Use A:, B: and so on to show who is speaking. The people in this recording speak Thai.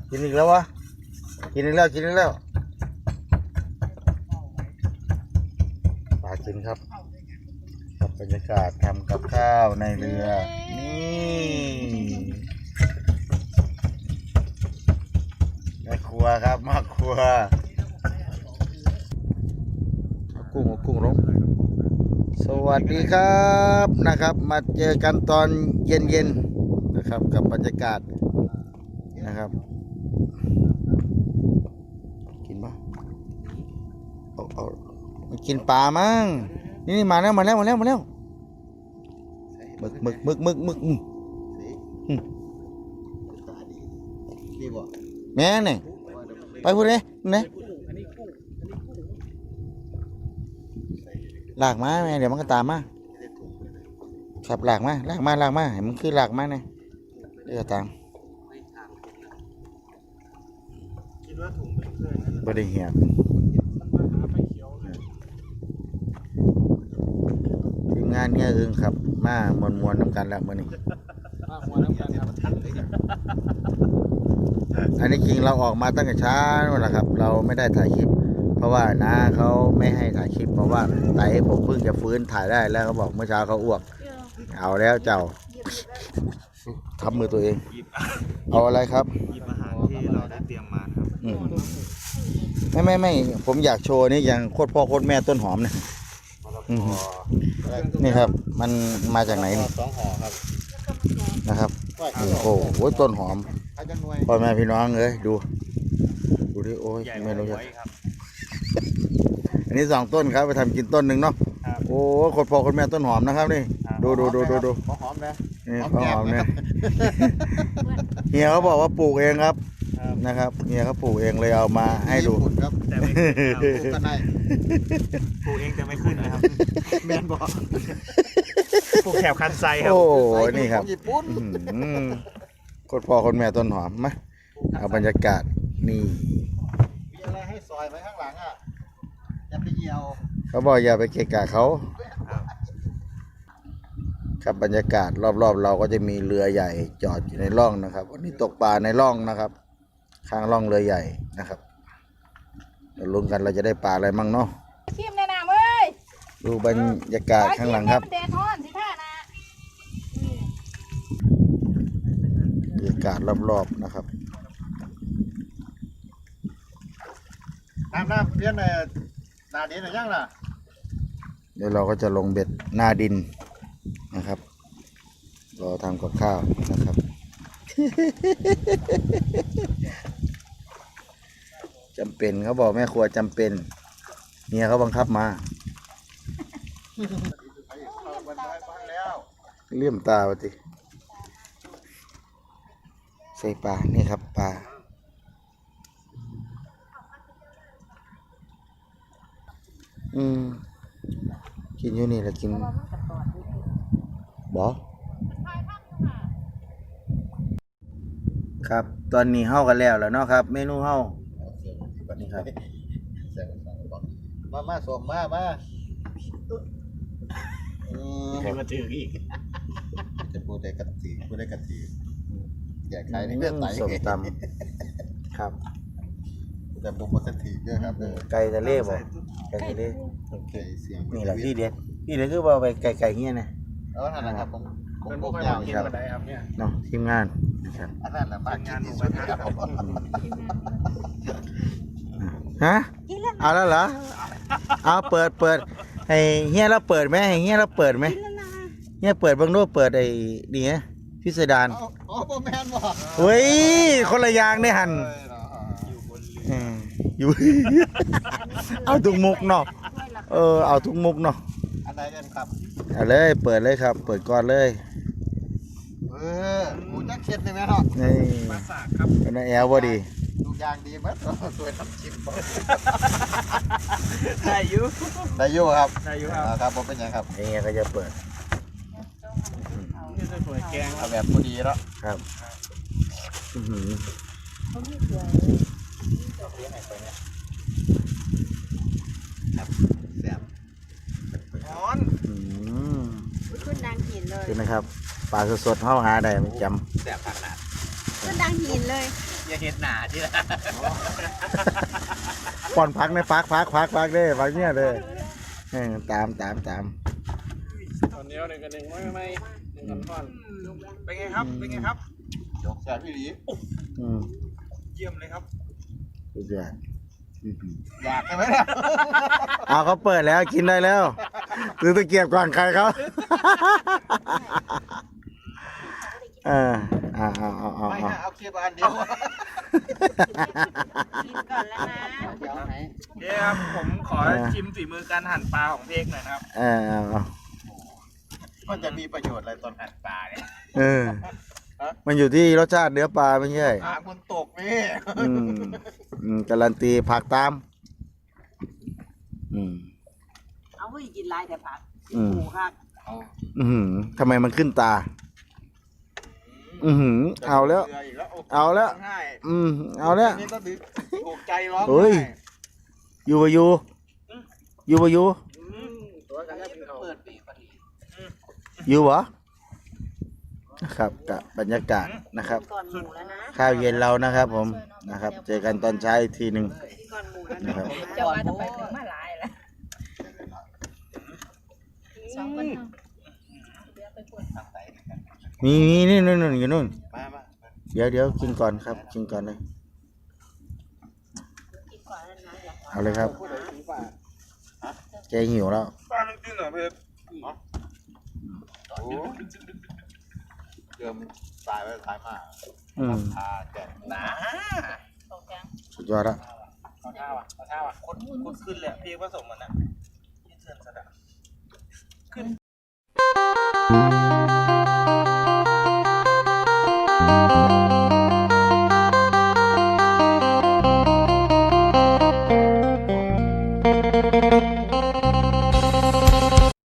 A: กินอีกแล้ววะกินอีกแล้วปลากินครับกับบรรยากาศทำกับข้าวในเรือนี่แม่ครัวครับมาครัวเอากุ้งลงสวัสดีครับนะครับมาเจอกันตอนเย็นๆนะครับกับบรรยากาศนะครับกินปะเอากินปลามั้งนี่มาแล้วหมึกแม่เนี่ยไปพูดเลยเนี่ยหลากมาแม่เดี๋ยวมันก็ตามมาขับหลากมาเห็นมันคือหลากมาเนี่ยเดี๋ยวตามบริเหียทีมงานเนี่ยครับมามวนน้ำกันแล้วมื่อนี้อันนี้จริงเราออกมาตั้งแต่เช้านั่นแหละครับเราไม่ได้ถ่ายคลิปเพราะว่าน้าเขาไม่ให้ถ่ายคลิปเพราะว่าไต่ผมเพิ่งจะฟื้นถ่ายได้แล้วเขาบอกเมื่อเช้าเขาอ้วกเอาแล้วเจ้าทำมือตัวเองเอาอะไรครับ
B: หยิบอาหารที่เราได้เตรียมมาครับ
A: ไม่ผมอยากโชว์นี่อย่างโคตรพ่อโคตรแม่ต้นหอมเนี่ยนี่ครับมันมาจากไหนนี่
B: 2 ห่อครับ
A: นะครับโอ้โหต้นหอมพ่อแม่พี่น้องเลยดูดิโอ้ยไม่รู้จะอันนี้2 ต้นครับไปทำกินต้นหนึ่งเนาะโอ้โคตรพ่อโคตรแม่ต้นหอมนะครับนี่ดู
B: หอมนะ
A: นี่หอมเนี่ยเฮียเขาบอกว่าปลูกเองครับนะครับเฮียเขาปลูกเองเลยเอามาให้ดู
B: แต่ไม่ขึ้นปลูกเองแต่ไม่ขึ้นนะครับแมนบอกปลูกแถบคันไซครับ
A: โอ้นี่ครับโคตรพ่อโคตรแม่ต้นหอมมาเอาบรรยากาศนี่
B: มีอะไรให้ซอยไหมข้างหลังอ่ะอย่าไปเหี่ยว
A: เขาบอกอย่าไปเกะกะเขาครับบรรยากาศรอบๆเราก็จะมีเรือใหญ่จอดอยู่ในร่องนะครับวันนี้ตกปลาในร่องนะครับข้างร่องเรือใหญ่นะครับเราลุ้นกันเราจะได้ปลาอะไรมั่งเนาะ
C: ชิมแนะนำเว้ย
A: ดูบรรยากาศข้างหลังครับ
C: เดทอนสิท่านะ
A: บรรยากาศรอบๆนะครับ
B: น้ำเพี้ยนในนาดินหรือยังล่ะ
A: เดี๋ยวเราก็จะลงเบ็ดหน้าดินนะครับรอทำกับข้าวนะครับ จำเป็นเขาบอกแม่ครัวจำเป็นเมียเขาบังคับมาเลี่ยมตาวะติใส่ปลานี่ครับปลากินอยู่นี่แหละกินบอครับตอนนี้เฮากันแล้วเนาะครับเมนูเฮานี่ครับ
B: มาส่งมาให้มาถืออีกจะพูดได้กันทีแก่ใครในเรื่องไต
A: ส้มตำครับ
B: แต่บุกมาสักทีด้วยครับ
A: ไก่ทะเลบ่ไก่ทะเลนี่แหละที่เด็ดคือว่าไปไก่เงี้ยนะ
B: นั่นแหละครับผมบุกยาวครับ
A: เนาะทีมงานนะครับ
B: นั่นแหละบ้านงานหมูกระทะครับ
A: ฮะเอาแล้วเหรอเอาเปิดให้เฮียเราเปิดไหมให้เฮียเราเปิดไหมเฮียเปิดบางโน้เปิดไอ้นี่ไงพิสดาร
B: โปแมนบอก
A: เฮ้ยคนละอย่างได้หันอยู่เอาทุกมุกเนาะเอาทุกมุกเนาะ
B: อันไหนกันครับ
A: เอาเลยเปิดเลยครับเปิดก่อนเลย
B: กูจะเข็ดเลยไหมเนาะ
A: นี่
B: มาสากครับ
A: เป็นแอลพอดี
B: ทุกอย่างดีมั้ยตัวทำชิมได้อยู่ครับครับผมเป็นยังครับ
A: นี่ก็จะเปิด
B: นี่จะสวยแกงเอาแบบพอดีแล้ว
A: ครับ
B: แซ่บร้อน
C: ขึ้นดังหินเลย
A: ใช่ไหมครับปลาสดๆเข้าหาได้จ
B: ำแซ่บขนาด
C: ขึ้นดังหินเลย
B: อย่าเห็นหนาที่ละ
A: ป้อนพักในพักเด้พักเนี่ยเด้ตาม
D: ตอนนี้หนึ่งกับหนึ่งไม่หนึ่งกับท่อนเป็นไงครับเป็นไงครับ
B: ยกแสบพี่หลี
D: เยี่ยมเลยครับ
A: สุดยอด
B: อยากใช่ไหมเนี่ย
A: เอาเขาเปิดแล้วกินได้แล้วซื้อตะเกียบก่อนใครเขาเอา
B: ไม่นะเอาเคียบอันเดียว
C: กินก่อนแล้วนะ
B: เดี๋ยวไหน
D: เดี๋ยวครับผมขอชิมฝีมือการหั่นปลาของเพกหน่อยนะครับ
B: มันจะมีประโยชน์อะไรตอนหั่นปลาเนี่ย
A: มันอยู่ที่รสชาติเนื้อปลาไม่ใช่
B: หางมันตกนี่
A: การันตีผักตาม
C: เอาเฮ้ยกินลายแต่ผัก
A: อืม
C: หมูครับ
A: ทำไมมันขึ้นตา เอาแล้ว เอาแล้ว
B: ง่าย
A: เอาแล้ว
B: นี่ก็ถูกใจร้อง
A: เฮ้ย อยู่ปะอยู่
D: ตัวกันแล้วเป็นเขา
B: เปิดปีกพอดี
A: อยู่เหรอนะครับกับบรรยากาศนะครับ
C: ก่อนหมูแล้วนะ
A: ข้าวเย็นเรานะครับผมนะครับ เจอกันตอนเช้าอีกทีหนึ่ง
C: ก่อนหมูแล้ว
A: นะครับ
C: จะว่าจะไปถึงมาหลายแล้วสองคน
A: มีนี่นู่นอยู่นู่น
B: มา
A: เดี๋ยวกินก่อนครับกินก่อนเลย
C: กินก่อนแล้วนะ
A: เอาเลยครับ
B: พูดอะไรถึงป่า
A: แกหิวแล้ว
D: ปลามันกินเหรอเพก
B: โอ้เดิมตายไปตายมา พาแกะหนา
C: ตรงกลาง
A: สุดยอดละ
D: เอาท่าว่ะคนขึ้นเลยเพกผสมมันอ่ะที่เสื่อมสดขึ้น